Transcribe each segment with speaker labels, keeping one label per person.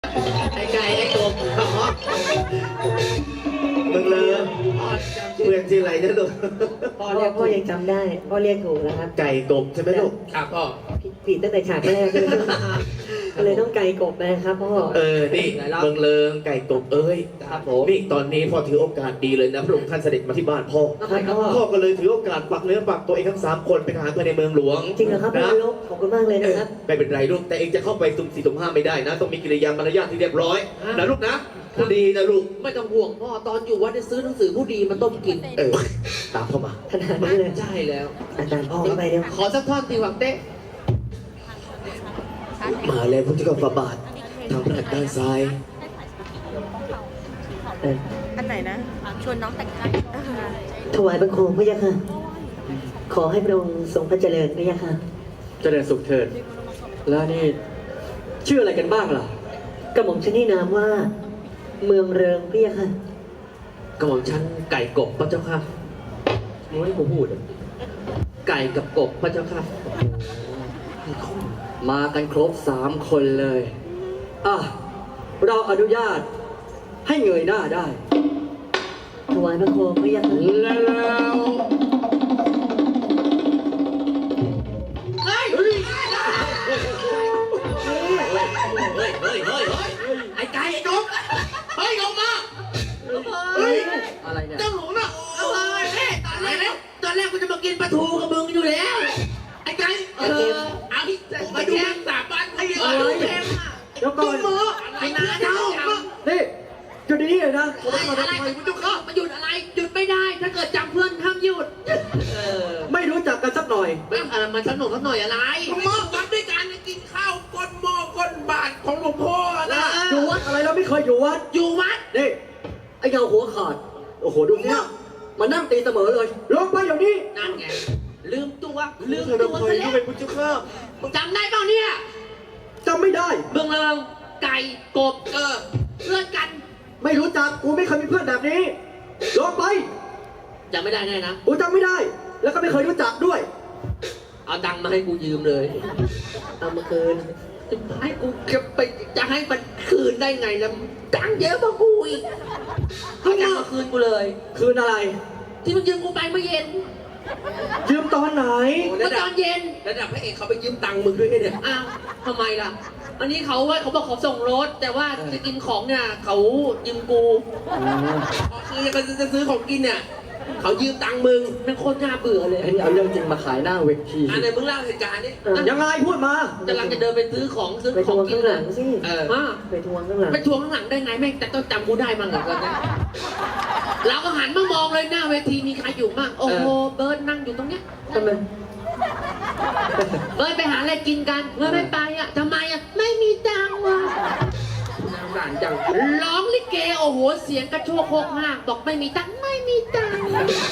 Speaker 1: ไอ้ไก่ไอ้กบอ๋อ
Speaker 2: มึงเลยเพื่อนชื่ออะไรนะลูก
Speaker 1: พ่อ
Speaker 3: พ่
Speaker 1: เรียก
Speaker 3: อยังจำได้พ่อเรียกถูกแล้วครับ
Speaker 2: ไก่กบใช่ไหมลูก
Speaker 1: ครับพ่อ
Speaker 3: ผิดตั้งแต่ฉากแรกเลยก็เลยต้องไกลกบนะครับพ่อ
Speaker 2: นี่เมืองเลิงไก่กบเอ้ย
Speaker 1: ครับผม
Speaker 2: นี่ตอนนี้พ่อถือโอกาสดีเลยนะพระองค์ท่านเสด็จมาที่บ้านพ่อ
Speaker 1: ทำไมครับพ่อ
Speaker 2: พ่อก็เลยถือโอกาสปักเนื้อปักตัวเองทั้ง3 คนเป็นทหารภายในเมืองหลวง
Speaker 3: จริงเหรอครับพ่อ
Speaker 2: นะ
Speaker 3: ลบขอบคุณมากเลยนะครับ
Speaker 2: ไม่เป็นไรลูกแต่เองจะเข้าไปสุ่ม4สุ่ม5ไม่ได้นะ ต้องมีกิริยามารยาทที่เรียบร้อยนะลูกนะพูดดีนะลูก
Speaker 1: ไม่ต้องห่วงพ่อตอนอยู่วัดได้ซื้อหนังสือผู้ดีมาต้มกิน
Speaker 2: ตามเข้ามา
Speaker 3: ขนาดนั้นเลย
Speaker 1: ใช่แล้ว
Speaker 3: อาจารย์พ่อเข้าไปเดี๋ยว
Speaker 1: ขอสักท่อนตีหวังเต้
Speaker 2: มาแล้วพุทธกบาบาททางพระหัตถ์ด้านซ้าย
Speaker 4: อันไหนนะ ชวนน้องแต่งงาน
Speaker 3: ถวายบังคมพระยาค่ะ ขอให้พระองค์ทรงพระเจริญพระยาค่ะ
Speaker 5: เจริญสุขเถิด แล้วนี่ชื่ออะไรกันบ้างล่ะ
Speaker 3: กระหม่อมชนี่นามว่า เมืองเริงพระยาค่ะ
Speaker 1: กระหม่อมชั้นไก่กบพระเจ้าค่ะ
Speaker 5: มึงให้กูพูดอะ
Speaker 1: ไก่กับกบพระเจ้าค่ะ
Speaker 5: มากันครบ3 คนเลย อ่ะ เราอนุญาตให้เงยหน้าได้
Speaker 3: ถวายบังคมพระยาค่ะ
Speaker 5: แล้ว
Speaker 1: ไอ้ไก่ไอ้กบเฮ้ยลงมาเฮ้ย
Speaker 5: อะไรเนี่ย
Speaker 1: เจ้าหนูน่ะเอ้ยแม่ตอนแรกกูจะมากินปลาทูกับมึงอยู่แล้วไอ้ไก่เอาที่มาดูสาบานให้เอาแพงอ่ะ
Speaker 5: เดี๋ยวก่อน
Speaker 1: ไอ้นาเจ้า
Speaker 5: นี่จุดนี้เลยนะ
Speaker 1: อะไรมันจะเข้ามาหยุดอะไรหยุดไม่ได้ ถ้าเกิดจำเพื่อนห้ามหยุด
Speaker 5: ไม่รู้จักกันสักหน่อย
Speaker 1: มันสนุกสักหน่อยอะไรมอบวัดด้วยกันกินข้าวก้นหม้อก้นบาทของหลวงพ่อนะ
Speaker 5: อยู่วัดอะไรเราไม่เคยอยู่วัด
Speaker 1: อยู่วัด
Speaker 5: นี่ ไอ้เงาหัวขาด โอ้โห ดูเนี่ยมานั่งตีเสมอเลย ลงไปเดี๋ยวนี้
Speaker 1: นั่นไงลืมตัว
Speaker 2: ลืม
Speaker 1: ซะ
Speaker 2: ตัว
Speaker 1: แล้ว
Speaker 2: ก็เป็นพุทธข้า
Speaker 1: จำได้เปล่าเนี่ย
Speaker 5: จำไม่ได้
Speaker 1: เบืองเริงไก่กบเพื่อนกัน
Speaker 5: ไม่รู้จัก กูไม่เคยมีเพื่อนแบบนี้ ลงไป
Speaker 1: จำไม่ได้แน่นะ
Speaker 5: กูจำไม่ได้ แล้วก็ไม่เคยรู้จักด้วย
Speaker 1: เอาตังค์มาให้กูยืมเลย
Speaker 3: เอามาคืน
Speaker 1: ให้กูจะให้มันคืนได้ไงแล้วตังค์เยอะกว่ากูอีกเอาตังค์มาคืนกูเลย
Speaker 5: คืนอะไร
Speaker 1: ที่มึงยืมกูไปเมื่อเย็น
Speaker 5: ยืมตอนไหน
Speaker 1: เมื่อตอนเย็น
Speaker 2: ระดับพระเอกเขาไปยืมตังค์มึงด้วยเนี่ย
Speaker 1: อ้าวทำไมล่ะ อันนี้เขาบอกเขาส่งรถ แต่ว่าจะกินของเนี่ยเขายืมกูคือจะซื้อของกินเนี่ยเขายืมตังค์มึงเป็นคนน่าเบื่อเลย
Speaker 5: ไอ้นี่เอาเรื่องจริงมาขายหน้าเวที
Speaker 1: อันไหนมึงเล่าเหตุการณ์ดิ
Speaker 5: ยังไงพูดมา
Speaker 1: กำลังจะเดินไปซื้อของ
Speaker 3: ไป
Speaker 1: ข
Speaker 3: ท
Speaker 1: อง
Speaker 3: วง
Speaker 1: กิ
Speaker 3: ข้าน งหลังสิ
Speaker 1: มา
Speaker 3: ไปทวงข้างหลัง
Speaker 1: ไปทวงข้างหลังได้ไงแม่งแต่ต้องจำกูได้มั้งเหรอเนี่ยเราก็หันมามองเลยหน้าเวทีมีใครอยู่มั่งโอ้โหเบิร์ดนั่งอยู่ตรงเนี้ย
Speaker 3: ทำไม
Speaker 1: เบิร์ดไปหาอะไรกินกันเบิร์ดไม่ไปอ่ะทำไมอ่ะไม่มีตังค์ว่ะน่าสงสารจังร้องลิเกโอ้โหเสียงกระโชกโคกห้างบอกไม่มีตังค์ไม่มีตังค์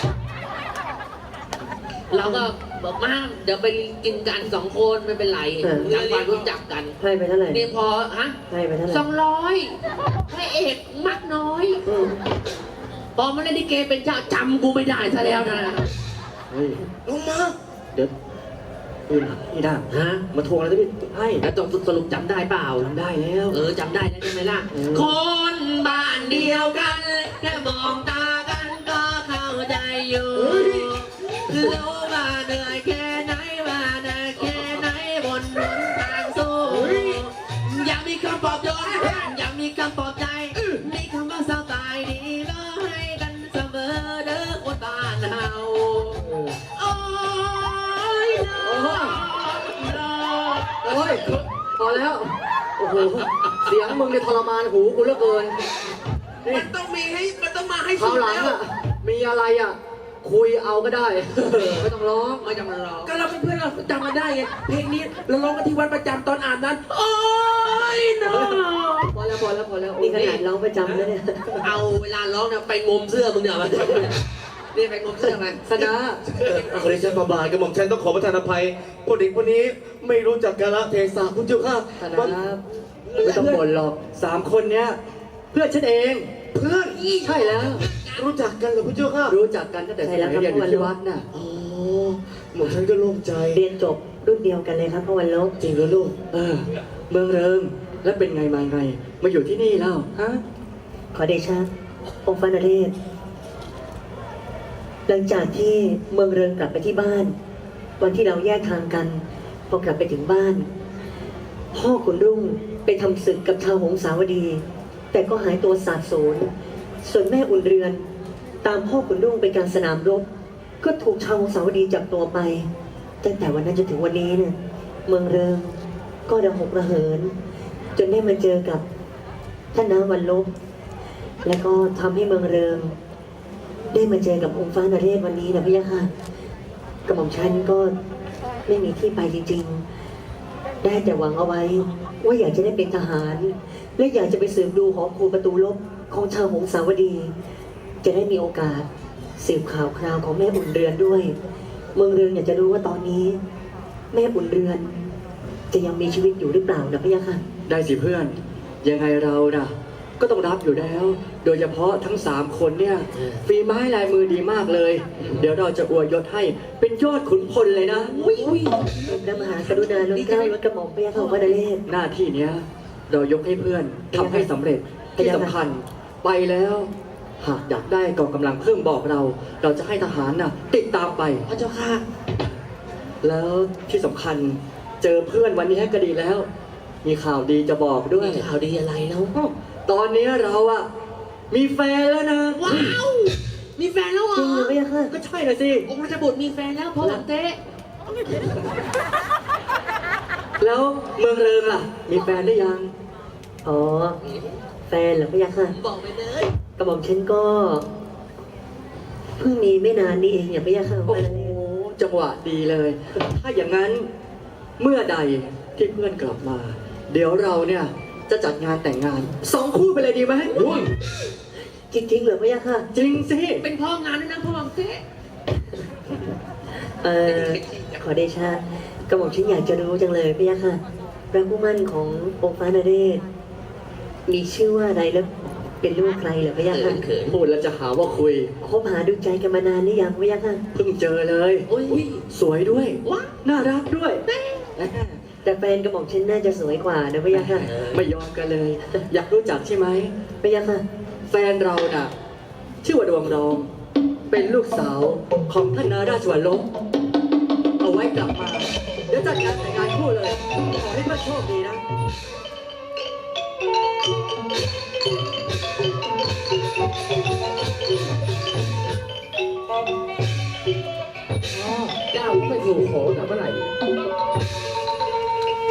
Speaker 1: เราก็บอกมาเดี๋ยวไปกินกัน2 คนไม่เป็นไรทำความรู้จักกัน
Speaker 3: ให้ไปเท่าไหร่
Speaker 1: นี่พอฮะ
Speaker 3: ให้ไปเท่าไหร่
Speaker 1: 200พระเอกมักน้อย
Speaker 3: อืม
Speaker 1: พอมาเล่นลิเกเป็นเจ้าจำกูไม่ได้ซะแล้วนะ
Speaker 5: เฮ้ย
Speaker 2: ลงมา
Speaker 5: เดี๋ยวนี่ได้
Speaker 1: ฮะ
Speaker 5: มาทวงอะไรที่ให้
Speaker 1: แล้วต้องสรุปจำได้เปล่า
Speaker 5: จำได้แล้ว
Speaker 1: จำได้แล้วใช่ไหมล่ะ คนบ้านเดียวกันแค่มองตากันก็เข้าใจอยู่รู้ว่าเหนื่อยแค่ไหนว่าหนักแค่ไหนบนหนทางสู้อยากมีคำปลอบโยนอยากมีคำปลอบใจมีคำว่าสบายดีก็ให้กันเสมอเด้อคนบ้านเฮาโอ้ยน้อง
Speaker 5: โอ้ย พอแล้ว โอ้โห เสียงมึงเนี่ยทรมานหูกูเหลือเกิน นี่
Speaker 1: มันต้องมาให้
Speaker 5: ครา
Speaker 1: สุ
Speaker 5: ว
Speaker 1: ด
Speaker 5: หลัง
Speaker 1: แล้ว
Speaker 5: อ่ะ มีอะไรอ่ะ คุยเอาก็ได้ ไม่ต้องร้อง
Speaker 1: ไม่จำเป็นร้องก็เราเป็นเพื่อนเราจำกันได้ไงเพลงนี้เราร้องกันที่วัดประจำตอนอ่านนั้นโอ้ยน้อง
Speaker 5: พอแล้วพอแล้วพอแล้ว
Speaker 3: นี่ขนาดร้องประจำแล้วเนี่ย
Speaker 1: เอาเวลาร้องเนี่ยไปงมเสื้อมึงเนี่ยมานี่ไปงมเสื้อมา
Speaker 5: สนะ
Speaker 2: ขอเดชะบาบาทกระหม่อมฉันต้องขอประทานอภัยพวกเด็กคนนี้ไม่รู้จักกาลเทศะพุทธเจ้าข้า
Speaker 5: สนะไม่ต้องบ่นหรอก3 คนเนี้ย เพื่อนฉันเอง
Speaker 2: เพื่อน
Speaker 5: ใช่แล้ว
Speaker 2: รู้จักกันเหรอพุทธเจ้าข้า
Speaker 5: รู้จักกันตั้งแต่สมัยเรียนอยู่ที่วัดน่ะ
Speaker 2: อ๋อหม่อมฉันก็โล่งใจ
Speaker 3: เรียนจบรุ่นเดียวกันเลยครับพ่อวันลบ
Speaker 2: จริงเหรอลูก
Speaker 5: เออ เมืองเริงแล้วเป็นไงมาไง มาอยู่ที่นี่แล้วฮะ
Speaker 3: ขอเดชะองค์ฟ้านเรศหลังจากที่เมืองเริงกลับไปที่บ้าน วันที่เราแยกทางกัน พอกลับไปถึงบ้าน พ่อขุนรุ่งไปทำศึกกับชาวหงสาวดี แต่ก็หายตัวสาบสูญส่วนแม่อุ่นเรือน ตามพ่อขุนรุ่งไปกลารสนามรบ ก็ถูกชาวหงสาวดีจับตัวไปตั้งแต่วันนั้นจนถึงวันนี้เนี่ยเมืองเริงก็ระหกระเหิน จนได้มาเจอกับท่านน้าวันลบ แล้วก็ทำให้เมืองเริง ได้มาเจอกับองค์ฟ้านเรศวันนี้นะพี่ยะค่ะกระหม่อมฉันก็ไม่มีที่ไปจริงๆ ได้แต่หวังเอาไว้ ว่าอยากจะได้เป็นทหาร และอยากจะไปสืบดูหอครูประตูลบของชาวหงสาวดี จะได้มีโอกาสสืบข่าวคราวของแม่อุ่นเรือนด้วย เมืองเรือนอยากจะรู้ว่าตอนนี้ แม่อุ่นเรือน จะยังมีชีวิตอยู่หรือเปล่านะพี่ยะค่ะ
Speaker 5: ได้สิเพื่อน ยังไงเราน่ะ ก็ต้องรับอยู่แล้ว โดยเฉพาะทั้ง3คนเนี่ยฝีไม้ลายมือดีมากเลย เดี๋ยวเราจะอวยยศให้เป็นยอดขุนพลเลยนะ
Speaker 3: พระมหากรุณาล้นเกล้าล้นกระหม่อมพระยาค่ะพระนเรศ
Speaker 5: หน้าที่เนี้ยเรายกให้เพื่อนทำให้สำเร็จที่สำคัญไปแล้ว หากอยากได้กองกำลังเพิ่มบอกเรา เราจะให้ทหารน่ะติดตามไป
Speaker 1: พระเจ้าค่ะ
Speaker 5: แล้วที่สำคัญเจอเพื่อนวันนี้ก็ดีแล้ว มีข่าวดีจะบอกด้วย
Speaker 1: มีข่าวดีอะไรแล้ว
Speaker 5: ตอนนี้เราอะมีแฟนแล้วนะ
Speaker 1: ว้าว มีแฟนแล้วเหร
Speaker 3: จริงเหรอ
Speaker 1: อ
Speaker 3: พี่ยะค่ะ
Speaker 5: ก็ใช่นะสิ
Speaker 1: องค์ราชบุตรมีแฟนแล้วพ่อหวังเต้
Speaker 5: แล้วเมืองเริงล่ะ มีแฟนได้ยัง
Speaker 3: อ๋อ แฟนเหรอพี่ยะค่ะ
Speaker 1: บอกไปเลย
Speaker 3: กระหม่อมฉันก็เพิ่งมีไม่นานนี้เองอย่าพี่ยะค่ะ
Speaker 5: โอ้
Speaker 3: พระน
Speaker 5: โห
Speaker 3: เรศ
Speaker 5: จังหวะดีเลย ถ้าอย่างนั้นเมื่อใดที่เพื่อนกลับมา เดี๋ยวเราเนี่ยจะจัดงานแต่งงาน2 คู่ไปเลยดีไหม
Speaker 3: จริงๆเหรอพี่ยะค่ะ
Speaker 5: จริงสิ
Speaker 1: เป็นพ่องานด้วยนะพ่อหวังเต้
Speaker 3: ขอเดชะกระหม่อมฉันอยากจะรู้จังเลยพี่ยะค่ะพระผู้มั่นขององค์ฟ้านเรศมีชื่อว่าอะไรแล้วเป็นลูกใครเหรอพี่ยะค่ะ
Speaker 1: เขิน
Speaker 5: พูดแล้วจะหาว่าคุย
Speaker 3: คบหาดูใจกันมานานหรือยังพี่ยะค่ะ
Speaker 5: เพิ่งเจอเลย
Speaker 1: โอ้ย
Speaker 5: สวยด้วย
Speaker 1: ว้า
Speaker 5: น่ารักด้วย
Speaker 3: แต่แฟนกระหม่อมฉันน่าจะสวยกว่านะพี่ยะค่ะ
Speaker 5: ไม่ยอมกันเลย อยากรู้จักใช่ไหม
Speaker 3: พี่ยะค่ะ
Speaker 5: แฟนเราน่ะ ชื่อว่าดวงรอง เป็นลูกสาวของท่านนาราชวัลลบเอาไว้กลับมา เดี๋ยวจัดงานแต่งงานคู่เลย ขอให้เพื่อนโชคดีนะ
Speaker 1: ก้าวไม่สู่ขอแต่เมื่อไหร่